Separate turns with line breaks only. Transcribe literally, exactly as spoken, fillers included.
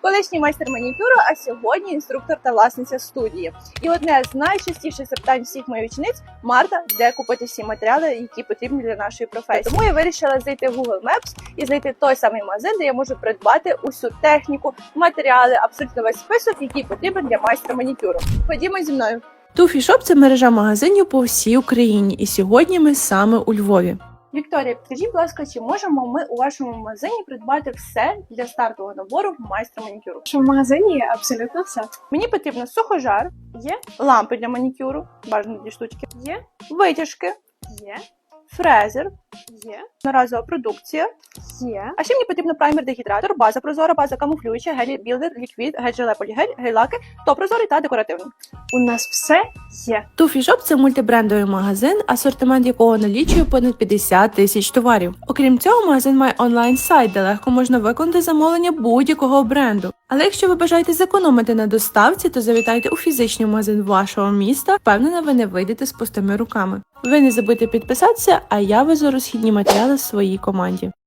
колишній майстер манікюру, а сьогодні інструктор та власниця студії. І одне з найчастіших запитань всіх моїх учениць – Марта, де купити всі матеріали, які потрібні для нашої професії. Тому я вирішила зайти в Google Maps і знайти той самий магазин, де я можу придбати усю техніку, матеріали, абсолютно весь список, який потрібен для майстра манікюру. Ходімо зі мною.
Туфі Шоп – це мережа магазинів по всій Україні, і сьогодні ми саме у Львові.
Вікторія, підкажіть, будь ласка, чи можемо ми у вашому магазині придбати все для стартового набору майстра манікюру?
В нашому магазині є абсолютно все.
Мені потрібно сухожар,
Є,
лампи для манікюру, бажано дві штучки,
є,
витяжки,
є,
фрезер,
є,
одноразова продукція.
є.
А ще мені потрібно праймер, дегідратор, база прозора, база камуфлююча, гелі білдер, ліквід, гель-желе полігель, гель-лаки, топ прозорий та декоративний.
У нас все є.
Туфі Шоп – це мультибрендовий магазин, асортимент якого налічує понад п'ятдесят тисяч товарів. Окрім цього, магазин має онлайн-сайт, де легко можна виконати замовлення будь-якого бренду. Але якщо ви бажаєте зекономити на доставці, то завітайте у фізичний магазин вашого міста. Впевнена, ви не вийдете з пустими руками. Ви не забудьте підписатися, а я везу розхідні матеріали своїй команді.